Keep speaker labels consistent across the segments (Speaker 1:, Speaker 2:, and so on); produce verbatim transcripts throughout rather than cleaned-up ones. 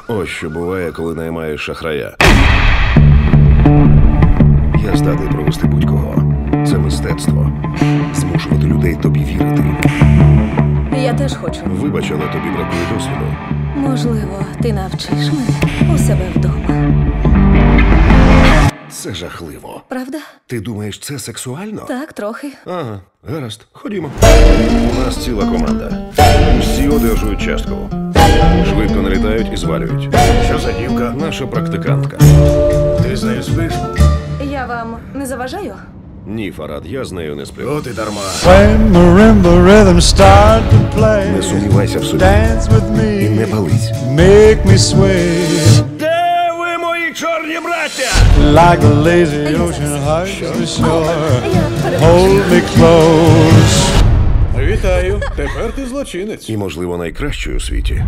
Speaker 1: Ось що буває, коли наймаєш шахрая. Я здатний провести будь-кого. Це мистецтво. Змушувати людей тобі вірити.
Speaker 2: Я теж хочу.
Speaker 1: Вибач, але тобі бракує досвіду.
Speaker 2: Можливо, ти навчиш мене у себе вдома.
Speaker 1: Це жахливо.
Speaker 2: Правда?
Speaker 1: Ти думаєш, це сексуально?
Speaker 2: Так, трохи.
Speaker 1: Ага, гаразд, ходімо. У нас ціла команда. Всі одержують частку. Швидко налітають і звалюють.
Speaker 3: Що за дівка?
Speaker 1: Наша практикантка.
Speaker 3: Ти з нею спиш?
Speaker 2: Я вам не заважаю?
Speaker 1: Ні, Фарад, я з нею не сплю.
Speaker 3: От і дарма.
Speaker 4: When marimba rhythms start to play,
Speaker 1: Не сумнівайся в собі.
Speaker 4: dance with
Speaker 1: І не
Speaker 4: me,
Speaker 1: пались.
Speaker 4: make me sway
Speaker 1: Де ви, мої чорні браття?
Speaker 4: like a lazy ocean hugs the shore.
Speaker 2: Я перепрошую.
Speaker 4: Hold me close.
Speaker 3: Вітаю. Тепер ти злочинець.
Speaker 1: І, можливо, найкращою у світі.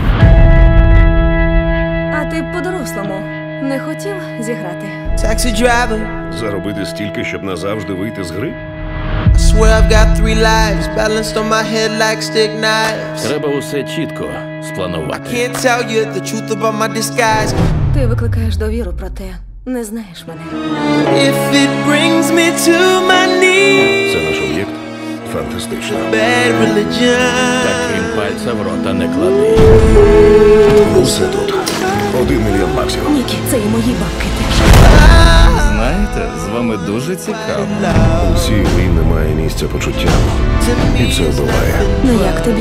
Speaker 2: А ти по-дорослому не хотів зіграти?
Speaker 5: Taxi driver,
Speaker 1: Заробити стільки, щоб назавжди вийти з гри?
Speaker 5: I swear I've got three lives balanced on my head like stick knives.
Speaker 6: Треба усе чітко спланувати.
Speaker 5: Can't tell you the truth about my disguise.
Speaker 2: Ти викликаєш довіру, проте не знаєш мене.
Speaker 5: If it brings me to my knees,
Speaker 1: Це наш об'єкт? Фантастично.
Speaker 5: bad religion.
Speaker 6: Таким пальця в рота не клади.
Speaker 1: Усе тут. Один мільйон баксів.
Speaker 2: Нікі, це і мої бабки теж.
Speaker 6: Знаєте, з вами дуже цікаво.
Speaker 1: У цій грі немає місця почуттям. І це вбиває.
Speaker 2: Ну як тобі?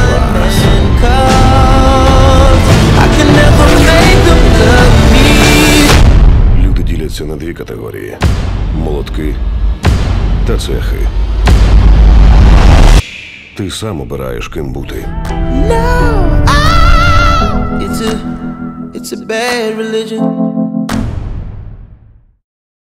Speaker 5: I can never make them love me.
Speaker 1: Люди діляться на дві категорії: молотки та цехи. Ти сам обираєш, ким бути.
Speaker 5: No, ah, it's a, it's a bad religion.